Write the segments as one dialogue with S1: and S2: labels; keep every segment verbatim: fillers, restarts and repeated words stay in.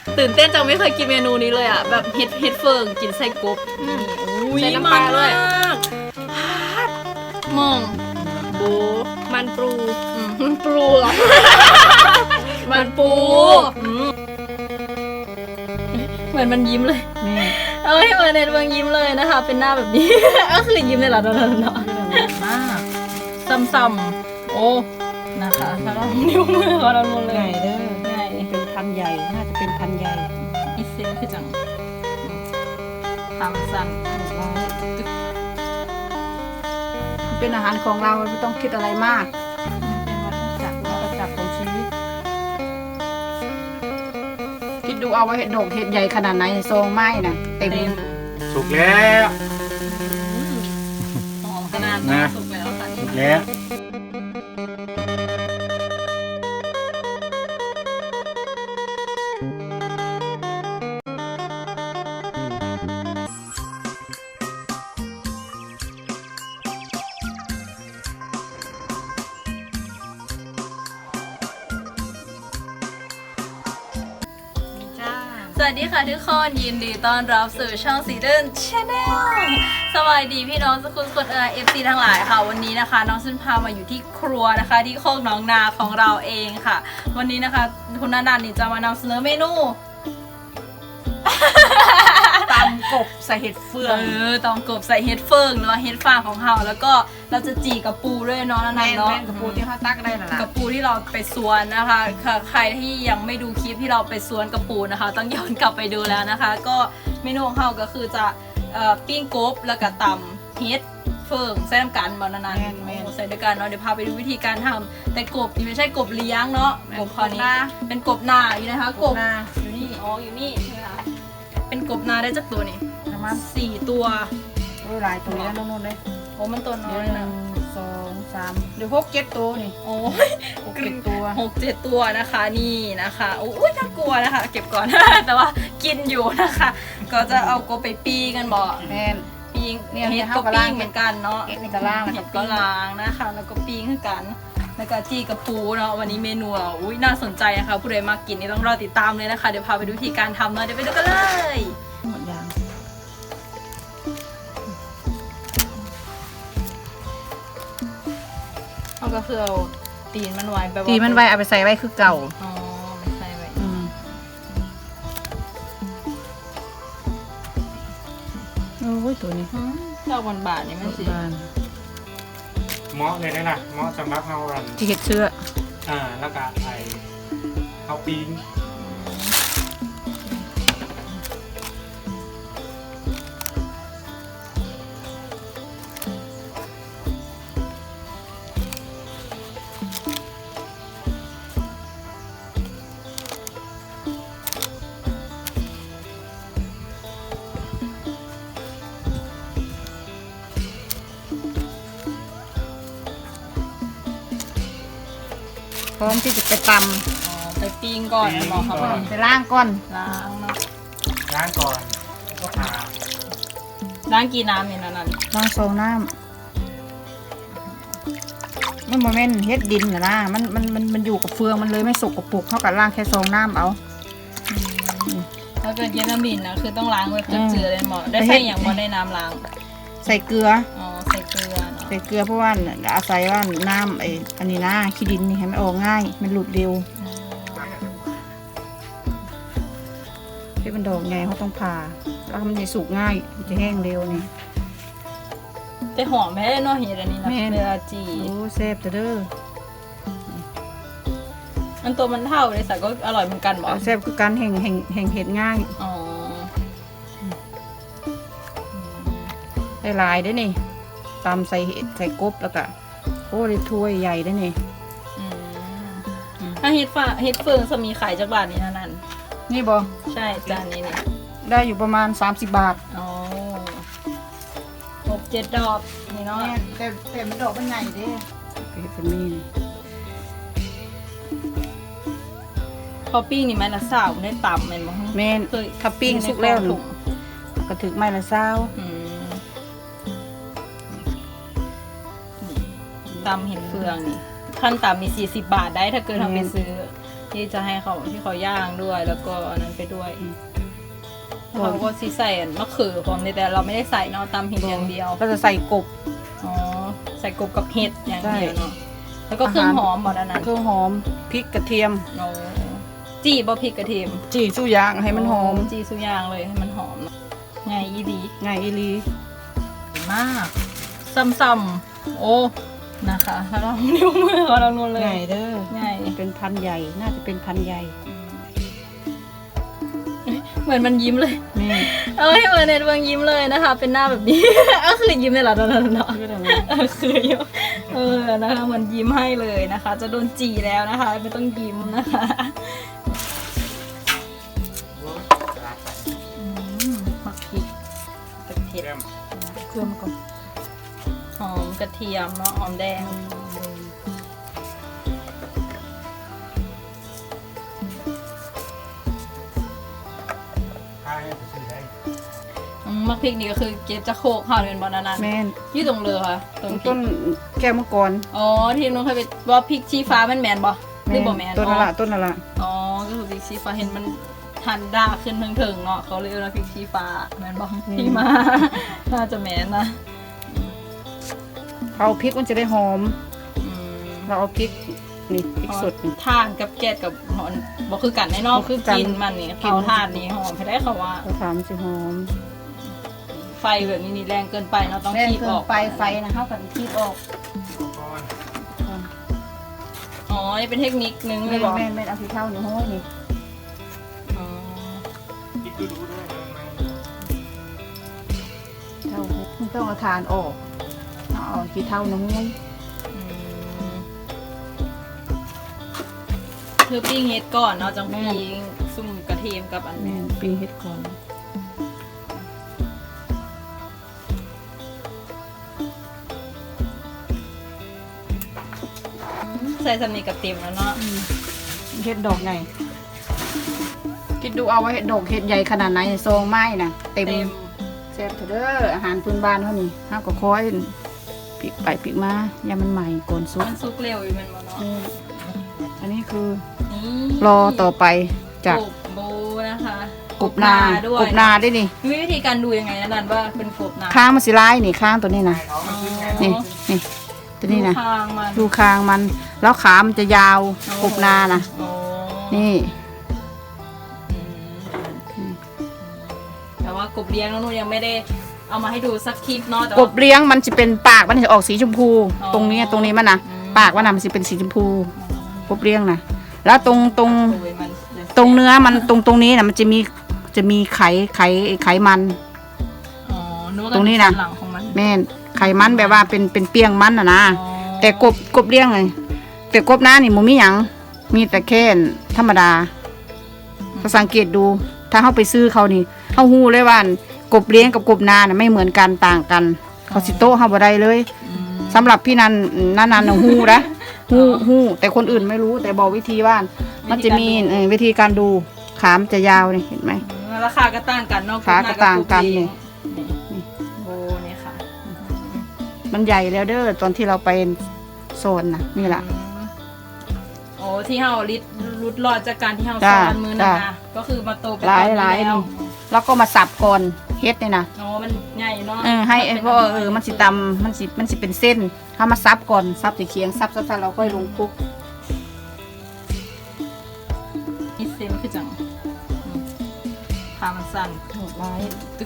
S1: ตื่นเต้นจังไม่เคยกินเมนูนี้เลยอ่ะแบบเฮ็ดเฮ็ดเฟิงกินไส้กบใส่น้ำปลาด้วยมองปูมันปูมันปูเหรอมันปูเหมือนมันยิ้มเลยเอ้ยเหมือนเน็ตเวิร์กยิ้มเลยนะคะเป็นหน้าแบบนี้ก็คือยิ้มเลยเหรอเนาะเนาะมากซ้ำๆโอ้นะคะแล้วก็นิ้วมือของเราหมดเลย
S2: ใหญ่เด้อใหญ่เป็นพันใหญ่น่าจะเป็นพันใหญ่
S1: อีเซนคือจังทำสั่น
S2: เป็นอาหารของเราไม่ต้องคิดอะไรมากเป็นวัฏจักรวัฏจักรของชีวิตคิดดูเอาไว้เห็ดดอกเห็ดใหญ่ขนาดไหนซองไม้น่ะเต็ม
S3: สุกแล้ว
S1: หอมขนาดนั้นสุกแล้วค่ะ
S3: สุกแล้ว
S1: สวัสดีค่ะทุกคนยินดีต้อนรับสู่ช่องสีเดินชาแนลสวัสดีพี่น้องสกุลคนเออเอฟซีทั้งหลายค่ะวันนี้นะคะน้องซุนพามาอยู่ที่ครัวนะคะที่โคกน้องนาของเราเองค่ะวันนี้นะคะคุณนันท์นี่จะมานำเสนอเมนู
S2: ตำกบใส่เห็ดเฟือง
S1: เออตำกบใส่เห็ดเฟืองหรือว่าเห็ดฟางของเราแล้วก็เราจะจีกับปูด้วยเนาะนันท์เนาะ
S2: กับปูที่เขาตักได้น่ะ
S1: กับปูที่เราไปสวนนะคะใครที่ยังไม่ดูคลิปที่เราไปสวนกับปูนะคะต้องย้อนกลับไปดูแล้วนะคะก็เมนูของเราก็คือจะปิ้งกบแล้วก็ตำเห็ดเฟืองใส่น้ำกันบอลนันใส่ด้วยกันเนาะเดี๋ยวพาไปดูวิธีการทำแต่กบนี่ไม่ใช่กบเลี้ยงเนาะกบคอนี้เป็นกบนาอยู่นะคะกบอยู่นี่อ๋ออยู่นี่ใช่ไหมคะเป็นกบนาได้จักตัวนี่ประมาณสี่ตัว
S2: โอ้ยหลายตัวแล้วน้องๆเลย
S1: โอ้มันตัวน้อยนะ
S2: สองสามเดี๋ยวหกเจ็ดตัวนี่
S1: โอ้ย
S2: หกเจ็ดตัว
S1: หกเจ็ดตัวนะคะนี่นะคะโอ้ยน่ากลัวนะคะเก็บก่อน แต่ว่ากินอยู่นะคะก็จะเอากบไปปีกันบ่
S2: แม่น
S1: ปีงเนี่ยเห็ดก็ปิ้งเหมือนกันเนาะ
S2: เห็ดก็ล้าง
S1: เห็ดก็ล้างนะคะแล้วก็ปิ้งเหมือนกันแล้วก็จีกับปูเนาะวันนี้เมนูเราอุ้ยน่าสนใจนะคะผู้ใดมากินนี่ต้องรอติดตามเลยนะคะเดี๋ยวพาไปดูวิธีการทำเนาะเดี๋ยวไปดูกันเลย
S2: หมดยาง
S1: เอาก็คือเอาตีนมันไว้แบบ
S2: ตีนมันไว้เอาไปใส่ไว้คือเก่า
S1: อ๋อใส่ไว้
S2: อืมโอ้ยตัวนี้
S1: เจ้าบานบาทนี่มันสิ
S3: เหมาะเลยนะล่ะเหมาะสำหรับเฮาอัน
S2: ที่เห็ดเชื้อ
S3: อ่าแล้วก็ไอเฮาปิ้ง
S2: พร้อมที่จะไปต
S1: ำอ๋อไปปิ้งก่อนหมอเขา
S2: ไปล้างก่อน
S1: ล้างเนาะ
S3: ล้างก่อนก็ทา
S1: ล้างกี่น้ำเนี่ยนั่น
S2: ล้างโซน้ำมันโมเมนต์เฮ็ดดินนะนะมันมันมันมันอยู่กับเฟืองมันเลยไม่สกปรกเท่ากับล้างแค่โซน้ำเอา
S1: ถ้าเกิดเยลามินนะคือต้องล้างไว้เจือเลยหมอได้ใส่อย่างหมอได้น้ำล้าง
S2: ใส่เกลือ
S1: อ๋อใส่เกลือเนาะ
S2: ใส่เกลือเพราะว่าอาศัยว่าน้ำไอ้อันนี้นะขี้ดินนี่ให้มันออกง่ายมันหลุดเร็วที่มันดอกไงเขาต้องผ่าแล้วมันจะสุกง่ายมันจะแห้งเร็วนี่
S1: แต่หอมแม่เนาะเห็ดอันนี้นะเวลาจี
S2: โอ้แซ่บเด้อ
S1: มันตัวมันเท่าเลยสักก็อร่อยเหมือนกันบอก
S2: แซ่บคือการแห่งแห่งแห่งเห็ดง่าย
S1: อ๋อ
S2: ได้ลายได้นี่ตำใส่เห็ดใส่กบแล้วก็โอ้ได้ถ้วยใหญ่ได้นี่
S1: ถ้าเห็ดฟ้าเห็ดเฟืองจะมีขายจากบ้านนี้นั่น
S2: นี่บอ
S1: ใช่จานนี้เนี่ย
S2: ได้อยู่ประมาณสามสิบบาท
S1: อ๋อหกเจ็ดดอกนี่เนาะ
S2: แต่แต่มันดอกมันใหญ่ดิเห็ดเป็นนี่
S1: พอปิ้งนี่มันละสาวได้ต่ำเป็นมั้ง
S2: แม่เคยถ้าปิ้งสุกแล้วหนูก็ถึงไม้ละสาว
S1: ตำเห็ดเฟืองนี่ขั้นต่ำมีสี่สิบบาทได้ถ้าเกิดทำไปซื้อที่จะให้เขาที่เขาย่างด้วยแล้วก็อันนั้นไปด้วยแล้วเขาก็ซีใส่มะเขือพร้อมแต่เราไม่ได้ใส่เนาะตำเห็ดอย่างเดียว
S2: ก็จะใส่กบ
S1: อ๋อใส่กบกับเห็ดอย่างเดียวเนาะแล้วก็เครื่องหอมหมดอันนั้น
S2: เครื่องหอมพริกกระเทียม
S1: โอ้จีบ่พริกกระเทียม
S2: จีสู้ยางให้มันหอม
S1: จีสุกอย่างเลยให้มันหอมไงอีดี
S2: ไงอีลี
S1: มากซ้ำๆโอ้นะคะถ้าเรานิ้วมือของเรานู่นเลย
S2: ไงเด้อ
S1: ไง
S2: เป็นพันใหญ่น่าจะเป็นพันใหญ่
S1: เหมือนมันยิ้มเลย
S2: นี่
S1: เอ้ยเหมือนเน็ตเวิร์กยิ้มเลยนะคะ เป็นหน้าแบบนี้ ก็คือยิ้มเลยเหรอตอนนั้นเนาะ
S2: คืออะไร
S1: เออคือยิ้มเออนะคะเหมือนยิ้มให้เลยนะคะ จะโดนจีแล้วนะคะ ไม่ต้องยิ้มนะคะอืมหมักพริกกระเทียม
S2: เครื่องก่อน
S1: หอมกระเทียมเนาะหอมแดง
S3: ใช่ซื้อได้
S1: อืมหมักพริกนี่ก็คือเก็บจะโคกห่อเป็นบอนานัน
S2: แม่น
S1: อยู่ตรงเรือค่ะตรงพริ
S2: ต้
S1: ก
S2: นแก้วมังกร
S1: อ๋อที่น้องเคยไปว่าพริกชี้ฟ้ามันแมนบ่หรือบ่แมน
S2: ต้น
S1: อ๋
S2: ละ
S1: อ
S2: ละต้นละละ
S1: อ๋อ ก็คือพริกชี้ฟ้าเห็นมันทันด้าขึ้นถึงๆเนาะเขาเลยเรียกว่าพริกชี้ฟ้าแมนบอกที่มา น่าจะแมนนะ
S2: เอาพริกมันจะได้หอม
S1: อืม
S2: เราเอาพริกนี่พริกสดนี่
S1: ทานกับแกดกับหอนบอกคือกันแน่นอน
S2: บ่คือกัน
S1: กินมันนี่
S2: กิน
S1: เขาทานนี่หอมให้ได้เขาว่า
S2: เราถามมันจะหอม
S1: ไฟแบบนี้นี่แรงเกินไปเนาะต้อง
S2: แม่
S1: คีบ
S2: เครื่
S1: อ
S2: อง
S1: อก
S2: ไฟไฟนะเขากันคีบออก
S3: ก้อน
S1: อ๋อนี่เป็นเทคนิคนึงเล
S2: แม่
S1: ยบอก
S2: แม่แม่เอาที่เท่านี่ห้อยนี่
S1: อ๋อ
S3: คิดดูดูด้วยนะมัน
S2: เท่าไม่ต้องเอาทานออกเอาที่เท่าน้ำห้อย
S1: อืมคือปิ้งเฮ็ดก่อนเนาะจังปิ้งซุ่มกระเทียมกับอัน
S2: แม่
S1: นี้
S2: นปีเฮ็ดก่อน
S1: ใส่สำนีกับเต็มแล้วเนาะ
S2: เฮ็ดดอกไงคิดดูเอาไว้เฮ็ดดอกเฮ็ดใหญ่ขนาดไหนซองไม้น่ะเต็ม
S1: เต็ม
S2: แซ่บเถอะเด้ออาหารพื้นบ้านเท่านี้ห้าก็คอยปิกไปปิกมาอย่ามันใหม่ก่อนสุก
S1: มันซุกเร็วอยู่มันบ่เนาะ
S2: นี่อันนี้คือ
S1: นี่
S2: รอต่อไปจาก
S1: กบโบนะคะ
S2: กบนา
S1: ด้วย
S2: กบนาได้นี่
S1: มีวิธีการดูยังไงนะนันว่าเป็นกบนา
S2: ค้างมันสิร้ายนี่ค้างตัวนี้นะ
S3: ท้องมันขึ้นไง
S2: นี่นี่ตัวนี้นะ
S1: ดูทางมัน
S2: ดูคางมัน แล้วขามันจะยาวกบนานะ
S1: โอ้
S2: นี่
S1: อืมแต่ว่ากบเลี้ยงน้องนุ่นยังไม่ได้เอามาให้ดูสักคลิปเนาะแต่
S2: ก
S1: ว่า
S2: บเลี้ยงมันจะเป็นปากมันจะออกสีชมพู
S1: อ๋อ
S2: ตรงนี้ตรงนี้มันนะ
S1: อืม
S2: ปากมันนะมันจะเป็นสีชมพูกบเลี้ยงนะแล้วตรงตรง
S1: โอ้ยมัน
S2: ตรงเนื้อมันตรงตรงนี้นะมันจะมีจะมีไขไขไขมัน
S1: อ๋อนึกว่า
S2: ตรงนี้นะ
S1: หลังของมัน
S2: แม่นไขมันแบบว่าเป็นเป็นเปียงมันนะนะ
S1: อ๋อ
S2: แต่กบกบเลี้ยงเลยแต่กบหน้านี่มันมีหยังมีแต่แค่ธรรมดาก็สังเกตดู ถ้าเขาไปซื้อเขานี่เขาหู้เลยว่ากบเลี้ยงกับกบนาน่ะไม่เหมือนกันต่างกัน เขาสิโต้เขาบ่ได้เลย
S1: อืม
S2: สำหรับพี่นันนันนันน่ะหู้นะหู้หู้แต่คนอื่นไม่รู้แต่บอกวิธีว่ามันจะมีเอ่อวิธีการดูขามนจะยาวนี่เห็นไหม
S1: ราคาก็ต่างกันเนาะ
S2: ขาก็ต่างกันนี่
S1: นี่โบเนี่ยค่ะ
S2: มันใหญ่แล้วเด้อตอนที่เราไปโซนนะนี่แหละ
S1: อืมโอ้ที่เฮาลิดรุดรอดจากการที่เฮา
S2: จ้า
S1: ซ้อนมือนะ
S2: จ้า
S1: คะก็คือมาโตเป็น
S2: หลาย
S1: ตอนนี้
S2: หลาย
S1: แล้ว
S2: นี่ แล้วก็มาสับก่อนเฮ็ดนี่นะ
S1: อ๋อมันใหญ่เนาะ
S2: เออให้ไอ้เพราะว่าเออมันสิตำมันสิมันสิเป็นเส้นเขามาซับก่อนซับสีเคียงซับซับซับเราค่อยลงคลุก
S1: นี่เซนคือจังอืมขามันสั้น
S2: โหดร้ายตึก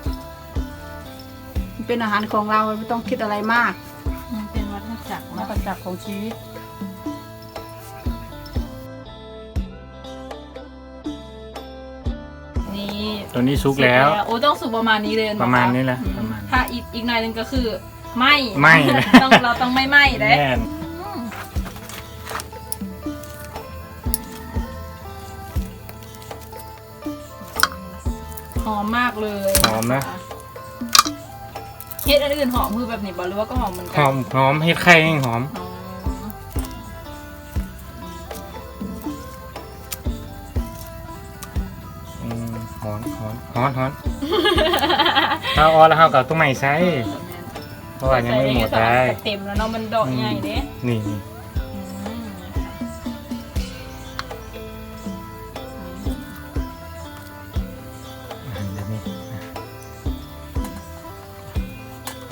S2: มันเป็นอาหารของเราไม่ต้องคิดอะไรมาก
S1: มันเป็นวัฏจักร
S2: มา
S1: เนาะ
S2: ประจักษ์ของชีวิต
S1: นี่
S3: ตัวนี้ซุกแล้ว
S1: โอ้ต้องสุกประมาณนี้เลยเนอ
S3: ประมาณนี้แหละ
S1: อืม
S3: ประมาณ
S1: ถ้าอีกอีกหน่อยหนึงก็คือไหม่
S3: ไหม้
S1: ต้องเราต้องไม่ไหม้เด้
S3: แน่น
S1: อืมหอมมากเลย
S3: หอมนะ
S1: เฮ็ดอันอื่นหอมคือแบบนี้บ่หรือว่าก็หอมเหมือน
S3: ห
S1: กั
S3: อมหอมเห็ดไข่ยังหอม
S1: อ๋อ
S3: อืมหอนหอนหอนหอนถ้าออแล้วเขากับตัวใหม่ใช้เพราะว่ายังไม่หมด
S1: ใส่
S3: ได้
S1: ในเต็มแล้วเนาะมันดอกใหญ่เด้
S3: นี่นี่
S1: อืม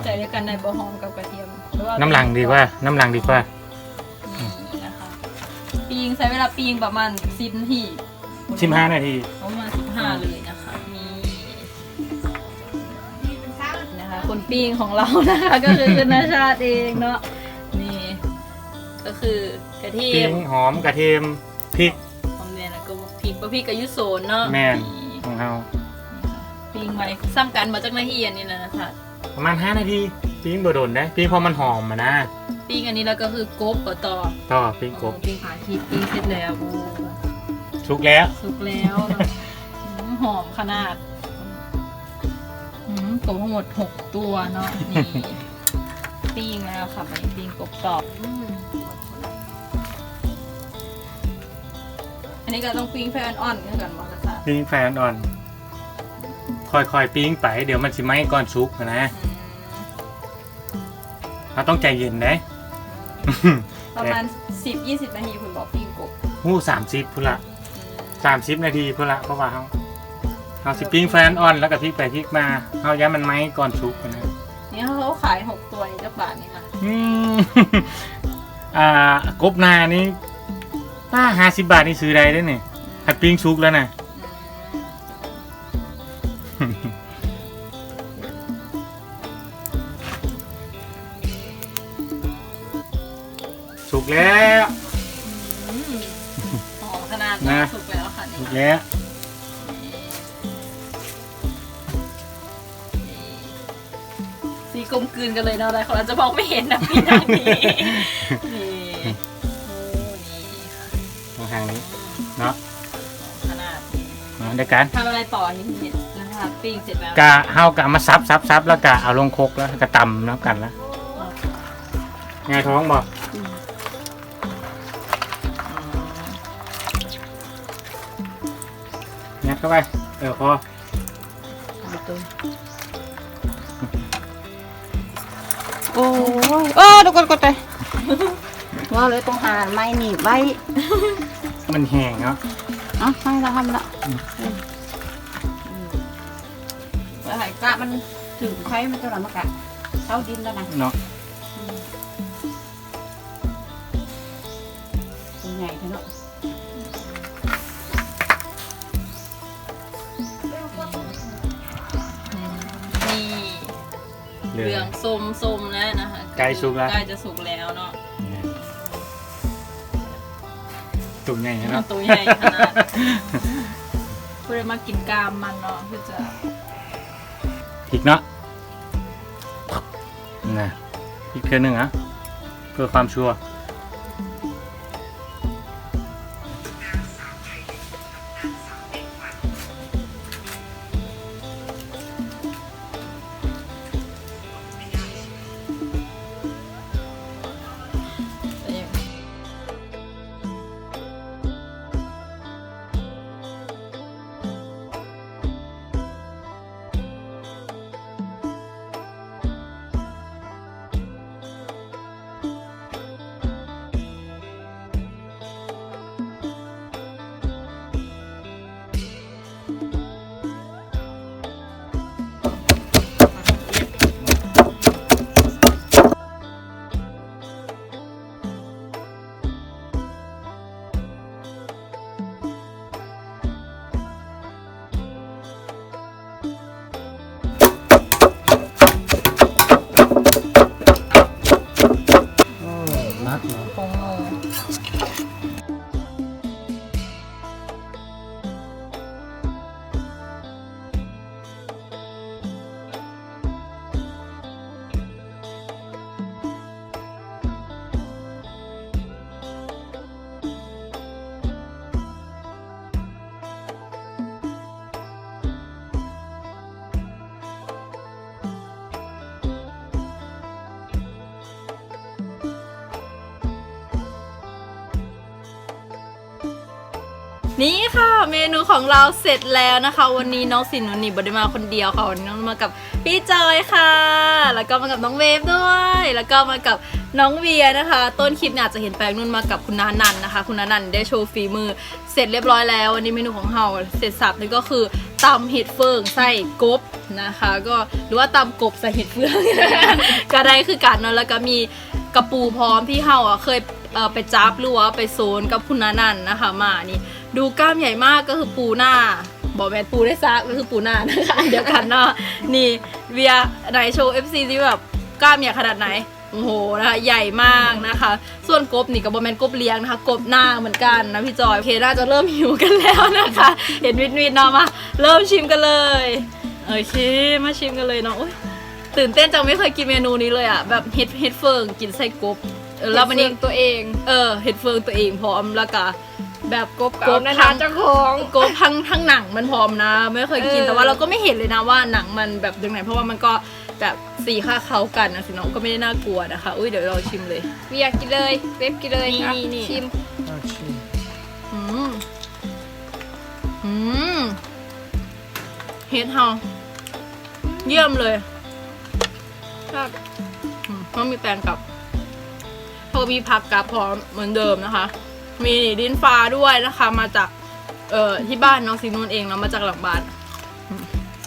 S1: ใส่ด้วยกันในบะหอมกับกระเทียมหรือว่า
S3: น้ำหลังดีกว่าน้ำหลังดีกว่า
S1: นี่นะคะปีงใช้เวลาปีงประมาณสิบนาที
S3: สิบห้านาที
S1: ประมาณสิบห้าเลยนะคะนี่นะคะคนปีงของเรานะคะ ก็คือคุณนาชาติเองเนาะนี่ก็คือกระเที
S3: ปิ้
S1: ยม
S3: งหอมกระเทียมพริก
S1: หอมแดงแล้วก็พริกบะพริกกับยุโซนเนาะ
S3: แม่น
S1: นี่
S3: ของเรา
S1: ปีงไว้ซ้ำกันมาจากนาทีอันนี้นะนะคะ
S3: ประมาณห้านาทีปิ้งบ่โดนได้ปิ้งพอมันหอมมานะ
S1: ปีงอันนี้แล้วก็คือกบกับต่อ
S3: ต่อปิ้งกบ
S1: ปีงขาคีปีงเสร็จแล้วโอ้
S3: ชุกแล้ว
S1: สุกแล้วเนอะอืมหอมขนาดอืมกบทั้งหมดหกตัวเนาะนี่ปิ้งแล้วค่ะไปปิ้งกบกรอบอืมอันนี้ก็ต้องปิ้งไฟอ่อนๆกันก่อนมาค่ะ
S3: ปิ้งไฟอ่อนๆค่อยๆปิ้งไปเดี๋ยวมันสิไหม้ก่อนชุกนะ
S1: อืม
S3: เราต้องใจเย็นได้
S1: ประมาณสิบยี่สิบนาทีคุณบอกปิ้งกบ
S3: หู้สามสิบพุ่นละ
S1: อืม
S3: สามสิบนาทีพุ่นละเพราะว่าเขาเอาสิปิ้งไฟอ่อนๆแล้วก็พลิกไปพลิกมาเอาย้ำมันไหม้ก่อนชุกนะ
S1: นี่เขาขายหกตัวนี่จักบาทนี่ค่ะ
S3: อืม อ่ากบนานี่ป้าห้าสิบบาทนี่ซื้อได้ได้เนี่ยหัดปิ้งชุกแล้วนะ
S1: อืม
S3: สุกแล้ว
S1: อืมหอมขนาด
S3: นะ
S1: สุกแล้วค่ะนี่
S3: สุกแล้ว
S1: สีกลมกลืนกันเลยเนาะอะไรเขาอาจจะมองไม่เห็นนะพี่ทางนี้นี่โอ้นี่ค่ะ
S3: ทางทางนี้เนาะ
S1: ขนาด
S3: เอาเดี๋ยวกัน
S1: ทำอะไรต่อทีนี้นะคะปิ้งเสร็จแล้ว
S3: กะเฮากะมาซับซับซับแล้วกะเอาลงครกแล้วก็ตำน้ำกันแล้วไงท้องบอกงัดเข้าไปเออพอ
S2: โอ้ยเออเดี๋ยวกดกดไปว่าเลยต้องหาไม้หนีบไว้
S3: มันแห้งเนาะ
S2: เอ่ะให้เราทำละ
S1: แล้วไหน
S2: กะมันถึงไข่มันจะหลังมากะเท้าดินแล้วนะ
S3: เนาะ
S2: ตัวใหญ่เท่านั้น
S1: นี่
S3: เหลื
S1: เหลื
S3: อ
S1: อง งส้มส้มแล้วนะคะ
S3: ใกล้สุกแล้ว
S1: ใกล้จะสุกแล้วเนาะ
S3: ตุ่มใหญ่เนาะ
S1: ตัวใหญ่ขนาดเพื่อมากินกามมันเนาะเพื่อจะ
S3: พริกเนาะนะพริกเท่านึงอ่ะเพื่อความชัวร์
S1: นี่ค่ะเมนูของเราเสร็จแล้วนะคะ วันนี้น้องสินนุนี่บไดมาคนเดียวค่ะวันนี้น้องมากับพี่จอยค่ะ แล้วก็มากับน้องเวฟด้วย แล้วก็มากับน้องเวียนะคะ ต้นคลิปเนี่ยอาจจะเห็นแปลงนุ่นมากับคุณนานันนะคะ คุณนานันได้โชว์ฝีมือเสร็จเรียบร้อยแล้ววันนี้เมนูของเราเสร็จสับนี่ก็คือตำเห็ดเฟืองใส่กบนะคะ ก็หรือว่าตำกบใส่เห็ดเฟือง ก็ได้คือกันเนาะแล้วก็มีกระปูพร้อมที่เฮาอ่ะเคยเอ่อไปจับหรือว่าไปโซนกับคุณนานันนะคะมานี่ดูกล้ามใหญ่มากก็คือปูหน้าบอกแมนปูได้ซักก็คือปูหน้านะคะเดี๋ยวกันเนาะนี่เวียไหนโชว์ เอฟ ซี ที่แบบกล้ามใหญ่ขนาดไหนโอ้โหนะคะใหญ่มากนะคะ ส่วนกบนี่กับบอแมนกบเลี้ยงนะคะกบหน้าเหมือนกันนะพี่จอยโอเคน่าจะเริ่มหิวกันแล้วนะคะ เห็นวิดวิดเนาะมาเริ่มชิมกันเลยโอเคมาชิมกันเลยเนาะตื่นเต้นจังไม่เคยกินเมนูนี้เลยอ่ะแบบเห็ดเห็ดเฟิงกินไส้กบเออแล้วมันนี่ตัวเองเออเห็ดเฟิงตัวเองพร้อมแล้วก็แบบกบกบนะคะเจ้าของกบทั้งทั้งหนังมันพร้อมนะไม่เคยกินแต่ว่าเราก็ไม่เห็นเลยนะว่าหนังมันแบบยังไงเพราะว่ามันก็แบบสีค่าเข้ากันนะสิน้องก็ไม่ได้น่ากลัวนะคะอุ้ยเดี๋ยวเราชิมเลย
S4: เวียกินเลยเว็บกินเลย
S1: นี่
S4: ครับ
S1: นี่
S4: ชิม
S3: เอาชิม
S1: อืมอืมเฮ็ดเฮาเยี่ยมเลย
S4: ครับ
S1: อืมต้องมีแปลงกับพอมีผักกับพร้อมเหมือนเดิมนะคะ มีดินฟ้าด้วยนะคะ มาจากเอ่อที่บ้านน้องซีนูนเองเนาะมาจากหลังบ้านอืม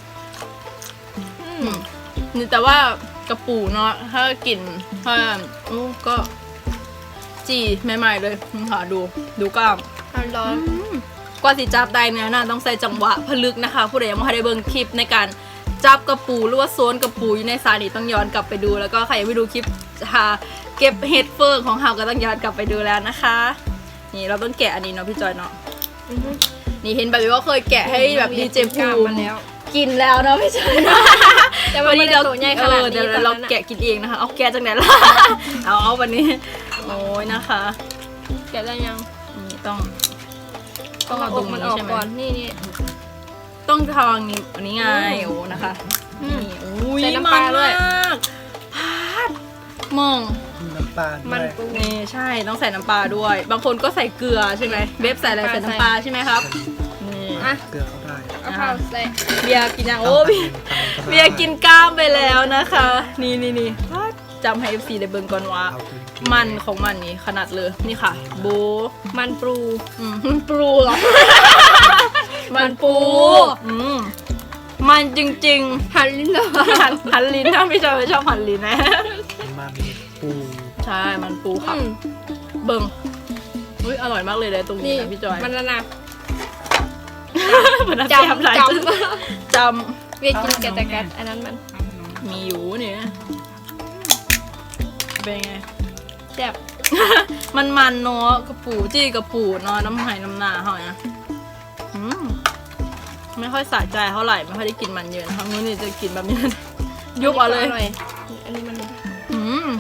S1: อืมนี่แต่ว่ากระปูเนาะถ้ากินถ้าโอ้ก็จีใหม่ๆเลยค่ะดูดูกล้าม
S4: ร้อน
S1: กว่าสิจับได้เนี่ยน่าต้องใส่จังหวะพลึกนะคะผู้ใดยังไม่ได้เบิ่งคลิปในการจับกระปูหรือว่าโซนกระปูอยู่ในซาดีต้องย้อนกลับไปดูแล้วก็ใครยังไม่ดูคลิปหาเก็บเห็ดเฟิงของเฮาก็ต้องย้อนกลับไปดูแล้วนะคะนี่เราต้องแกะอันนี้เนาะพี่จอยเนาะ
S4: ๆอือฮึ
S1: นี่เห็นแบบว่าเคยแกะให้แบบดีเจ
S4: ก
S1: ภู
S4: ล้าม
S1: มิ
S4: มาแล้ว
S1: กินแล้วเนาะพี่จอยเนาะ
S4: แต่ว่า
S1: วัน
S4: ไม่
S1: นี้
S4: ได้
S1: เรา
S4: โตใหญ่ขนาด
S1: เออ
S4: นี้
S1: เดี๋ยว
S4: ตอน
S1: เรา
S4: นั้นอะ
S1: แกะกินเองนะคะเอาแกะจากไหนล่ะ เอาเอาวันนี้โอ้ยนะคะ
S4: แกะได้ยัง
S1: นี่ต้อง
S4: ต้
S1: ต้
S4: อ
S1: อง ง
S4: เอา
S1: เอา
S4: อ
S1: ตร
S4: ก
S1: ง
S4: มัน
S1: นี้
S4: ออก
S1: ใช่ไหม
S4: ก่อนนี่นี่
S1: ต้องทางนี้อันนี้ไง
S4: อืม
S1: โอ้นะคะ
S4: อืม
S1: นี่อุ้ย
S4: ใส่น้ำปลาด้วย
S1: มันมากพาดมอง
S3: น้ำปลาด้
S4: มั
S3: วน ย
S4: ปู
S1: นี่ใช่ต้องใส่น้ำปลาด้วย บางคนก็ใส่เกลือใช่ไหมเบบใส่อะไร
S4: ใส่
S1: ใส่น้ำปลาใช่ไหมครับนี่
S4: อ่ะ
S3: เกลือเขาได้
S4: เอาข้าวใส่
S1: เบียร์กินยังโอ้เบียร์เบียร์กินกล้ามไปแล้วนะคะ นี่นี่นี่พาดจำให้ เอฟ ซี ได้เบิ่งก่อนว่า
S3: เอาไปกิ
S1: มันของมันนี่ขนาดเลยนี่ค่ะโบ
S4: มันปู
S1: อืมมันปูเหรอ มันปูอืมมันจริงๆ
S4: หั่นลิ้นเลย
S1: หันหันลิ้นถ้าไม่ชอบไม่ชอบหันลิ้นนะ
S3: มันปู
S1: ใช่มันปูครับ
S4: อืม
S1: เบิ่งอุ้ยอร่อยมากเลยเลยตรงนี้
S4: นี่
S1: นะพี่จอย
S4: มันนะนะ
S1: มัน
S4: จ
S1: จำหลาย
S4: ำจ
S1: จ
S4: ำเวียกินแกะแต่กัดอันนั้นมัน
S1: ำมีอยู่เนี่ยเป็นไง
S4: แซ่บ
S1: มันมันเนาะกระปูจี้กระปูเนาะน้ำไหน้ำหนาเขาเนี่ยอืมไม่ค่อยสะใจเท่าไหร่ไม่ค่อยได้กินมันเยอะนะคะมื้อนี้จะกินแบบนี้ ยุบเอาเลย
S4: นนี้ก็ร่อันนี้มัน
S1: อืม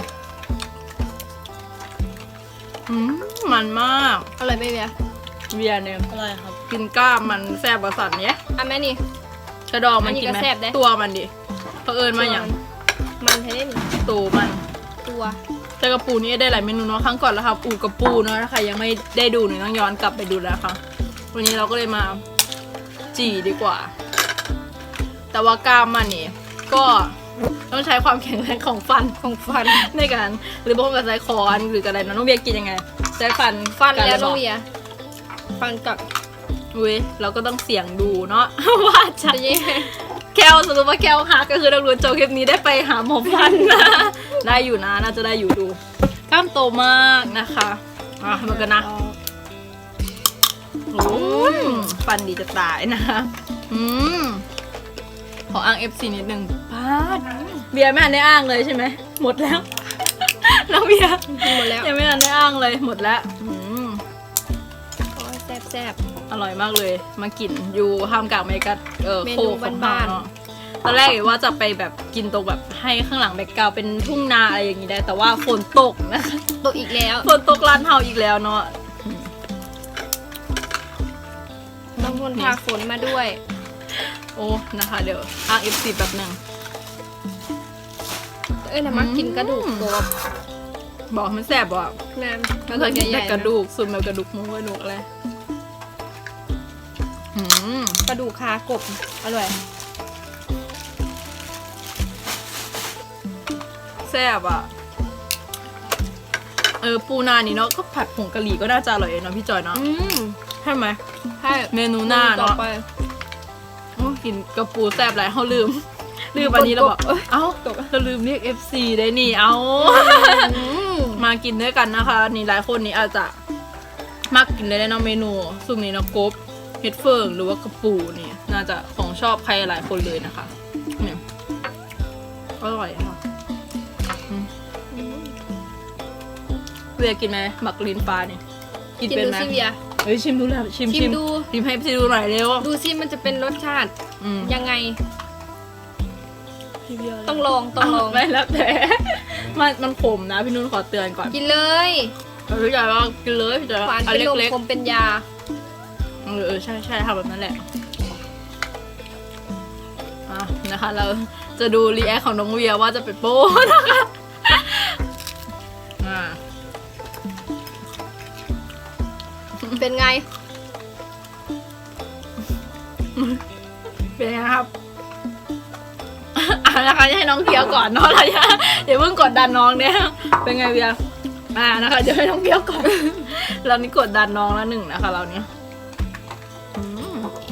S1: อืมมันมาก
S4: อร่อยไหมเวีย
S1: เบียร์เนี่ยอะไรครับ กินกล้ามมันแซ่บกว่าสัตว์เนี้ย
S4: อ่ะแม่นี่
S1: กระดองมัน
S4: อันนี้
S1: กินไหม
S4: ก็แซ่บเด้
S1: ตัวมันดิเผอิญมาอย่าง
S4: มันให้ได้หนึ่ง
S1: ตูมัน
S4: ตัว
S1: แต่กระปูนี่ได้หลายเมนูเนาะครั้งก่อนแล้วค่ะปูกระปูเนาะถ้าใครยังไม่ได้ดูเนี่ยต้องย้อนกลับไปดูแล้วค่ะวันนี้เราก็เลยมาจี่ดีกว่า แต่ว่ากล้ามมันนี่ก็ต้องใช้ความแข็งแรงของฟัน
S4: ของฟัน
S1: ในการหรือบางคนก็ใช้คอนหรืออะไรนะน้องเบียร์กินยังไงใช้ฟัน
S4: ฟัน
S1: กั
S4: แล้ว
S1: หรื
S4: น้
S1: อ
S4: อง
S1: เปล่า
S4: เวียฟันกับ
S1: อุ้ยเราก็ต้องเสี่ยงดูเนาะ ว่าจะ
S4: จะยี่
S1: แก้วสรุปว่าแก้วหักก็คือนักรู้โจคลิปนี้ได้ไปหาหมอฟันนะ ได้อยู่นะน่าจะได้อยู่ดูกล้ามโตมากนะคะอ่ะมันกันนะโอ้ยฟันดีจะตายนะคะอืมขออ้าง เอฟ ซี นิดนึงพาดเบียร์ไม่ทันได้อ้างเลยใช่ไหมหมดแล้ว น้องเบียร์
S4: กินหมดแล้ว
S1: ยังไม่ทันได้อ้างเลยหมดแล้วอืม
S4: โอ้ยแซ่บแซ่บ
S1: อร่อยมากเลย มากินอยู่ห้ามกลางบรรยากาศเออ
S4: เมนู
S1: โคของ
S4: บ้านๆ
S1: เนาะตอนแรกว่าจะไปแบบกินตรงแบบให้ข้างหลังแบ็กกราวด์เป็นทุ่งนาอะไรอย่างนี้ได้ แต่ว่าฝนตกนะคะ
S4: ตัวอีกแล้ว
S1: ฝนตกร้านเฮาอีกแล้วเนาะ
S4: บางคนพาฝนมาด้วย
S1: โอ้นะคะ เดี๋ยวอ้าง เอฟ ซี แบบหนึ่ง
S4: เอ้ยนะมักกินกระดูกกบ
S1: บอกมันแสบบอก
S4: แม่
S1: ไม่เคยกินแต่กระดูกส่วนแบบกระดูกหมูกระดูกอะไร
S4: กระดูกคากบอร่อย
S1: แซ่บอ่ะเออปูนานี่เนาะก็ผัดผงกะหรี่ก็น่าจะอร่อยเนาะพี่จอยเนาะ
S4: อืม
S1: ใช่ไหม
S4: ใช่
S1: เมนูหน้า
S4: ต่อ
S1: เนาะ
S4: ไป
S1: โอ้กินกระปูแซ่บหลายเขาลืม ลืมอันนี้เราบอกเอ้ยเอ้าเราลืมเรียก เอฟ ซี ได้นี่เอ้า
S4: อืม
S1: มากินด้วยกันนะคะ นี่หลายคนนี่อาจจะมักกินได้ในเมนูซุปนี้นะกบเห็ดเฟิงหรือว่ากระปูนี่น่าจะของชอบใครหลายคนเลยนะคะเนี่ยอร่อยค่ะอืมเวียกินไหมหมักลิ้นปลาเนี่ยกิน
S4: กิน
S1: เป็น
S4: ดู
S1: ไหม
S4: ซิเวีย
S1: เฮ้ยชิมดูแล้วชิม
S4: ชิมดู
S1: ชิมให้พี่ดูหน่อยเร็ว
S4: ดูซิมันจะเป็นรสชาติ
S1: อืม
S4: ยังไง ต้องลองต้องลอง
S1: ไม่แล้วแต่ มันมันขมนะพี่นุ่นขอเตือนก่อน
S4: กินเลย
S1: เราพี่จอยว่ากินเลยพี่จอย
S4: หวาน
S1: อัน
S4: เป็นลม
S1: เล็ก
S4: คมเป็นยา
S1: ๆเออเออใช่ใช่ทำแบบนั้นแหละอ่ะนะคะ เราจะดูรีแอคของน้องเวียว่าจะเป็นโป้นะคะอ่า
S4: เป็นไง
S1: เป็นไงครับ อ่ะนะคะจะให้น้องเคี้ยวก่อนเนาะเราจะอย่าเพิ่งกดดันน้องเนี่ยเป็นไงเวียอ่านะคะเดี๋ยวให้น้องเคี้ยวก่อน เรานี่กดดันน้องแล้วหนึ่งนะคะ เราเนี่ยอืม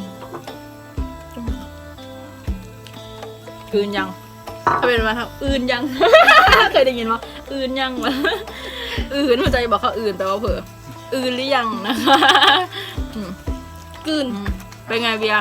S1: อืนยังถ้าเป็นมาครับอื่นยัง เคยได้ยินว่าอื่นยังวะอื่นหัวใจบอกเขาอื่นแปลว่าเผลออื่นหรือยังนะคะอืม
S4: กลืน
S1: อืมเป็นไงเบียร์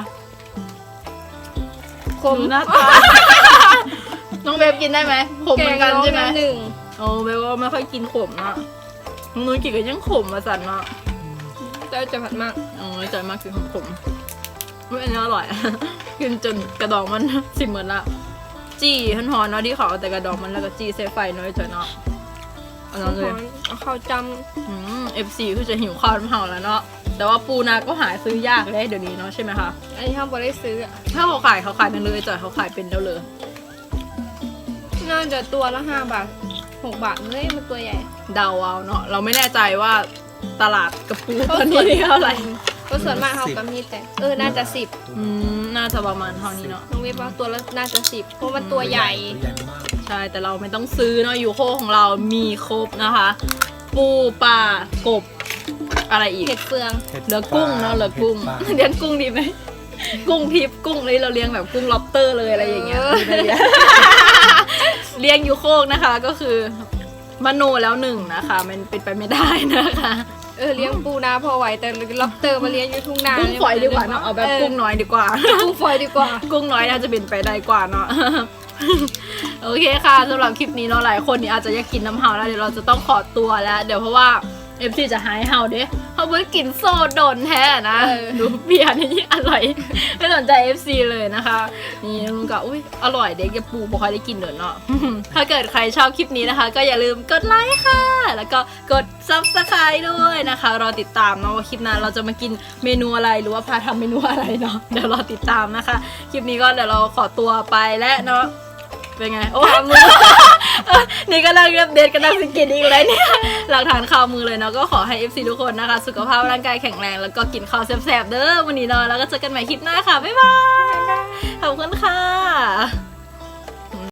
S4: คม
S1: ดูหน้าตา น้องเบฟกินได้ไหมขมเหมือนกันใช่ไหม
S4: แงองหนึ่ง
S1: โอ้เบฟว่าไม่ค่อยกินขมนะน้องนุ้ยกินก็ยังขมมาสั่นเนาะ
S4: เจ้าจะผัดมาก
S1: โอ้ยใจมากกินขมๆไม่อันนี้อร่อย กินจนกระดองมัน สิเหมือนละจี้หอนๆเนาะที่เขาเอาแต่กระดองมันแล้วก็จี้เซฟไฟน้อยจอยเนาะเอาน้องเลย
S4: เอาข้าวจ
S1: อืมเอฟซีคือจะหิวข้าวน้ำเห่าแล้วเนาะแต่ว่าปูนาก็หาซื้อยากเลยเดี๋ยวนี้เนาะใช่ไหมคะ
S4: ำอันนี้ห้ามบได้ซื้ออะ
S1: ถ้าเขาขายเขาขายเป็นเลยจอยเขาขายเป็นแล้วเลย
S4: น่าจะตัวละห้าบาทหกบาทเลยมันตัวใหญ่
S1: เดาเอาเนาะเราไม่แน่ใจว่าตลาดกระปูตอนนี้เท่าไหร่
S4: ก็ส่วนมากเขาก็มีแต่เออน่าจะสิบ
S1: อืมน่าจะประมาณเท่านี้เนาะ
S4: น้องเว็บว่าตัวละน่าจะสิบเพราะมันตัวใหญ่
S3: ใหญ่มาก
S1: ใช่แต่เราไม่ต้องซื้อเนาะยูโคของเรามีครบนะคะ ปูปลากบอะไรอีก
S4: เห็ดเฟือง
S1: เหลือกุ้งเนาะเหลือกุ้ง
S3: ห็ดปลา
S1: เลี้ยงกุ้งดีไหมกุ้งทิพย์กุ้งเลยเราเลี้ยงแบบกุ้งล็อบสเตอร์เลยอะไรอย่างเงี้ย
S4: เออ
S1: ไม่ได้เลี้ยง เลี้ยงยูโคกนะคะก็คือมโนแล้วหนึ่งนะคะ มันเป็นไปไม่ได้นะคะ
S4: เออเลี้ยงปูนาพอไหวแต่ล็อบสเตอร์มาเลี้ยงอยู่ทุ่งนา
S1: กุ้งฝอยดีกว่าเนาะเอาแบบกุ้งน้อยดีกว่า
S4: กุ้งฝอยดีกว่า
S1: กุ้งน้อยน่าจะเป็นไปได้กว่าเนาะ โอเคค่ะสำหรับคลิปนี้เนาะหลายคนนี่อาจจะอยากกินน้ำเห่าแล้วเดี๋ยวเราจะต้องขอตัวแล้ว เดี๋ยวเพราะว่าเอฟซีจะหายเห่าเด้เขาเพิ่งกินโซโดนแท้นะ
S4: เออ
S1: ดูเบียร์นี่อร่อย ไม่สนใจ เอฟ ซี เลยนะคะ นี่ลุงก็อุ้ยอร่อยเด็กจะปูบ่ค่อยได้กินเดินเนาะ ถ้าเกิดใครชอบคลิปนี้นะคะ ก็อย่าลืมกดไลค์ค่ะ แล้วก็กด ซับสไครบ์ ด้วยนะคะรอติดตามเนาะว่าคลิปหน้าเราจะมากินเมนูอะไรหรือว่าพาทำเมนูอะไรเนาะเดี๋ยวรอติดตามนะคะ คลิปนี้ก็เดี๋ยวเราขอตัวไปแล้วเนาะเป็นไงโอ้มือ นี่ก็นั่งเดทกันนั่งสิกินอีกแล้วเนี่ยหลักฐานข่าวมือเลยเนาะก็ขอให้ เอฟ ซี ทุกคนนะคะ สุขภาพร่างกายแข็งแรงแล้วก็กินข้าวแซ่บๆเด้อวันนี้เนาะแล้วก็เจอกันใหม่คลิปหน้าค่ะบ๊ายบายขอบคุณค่ะ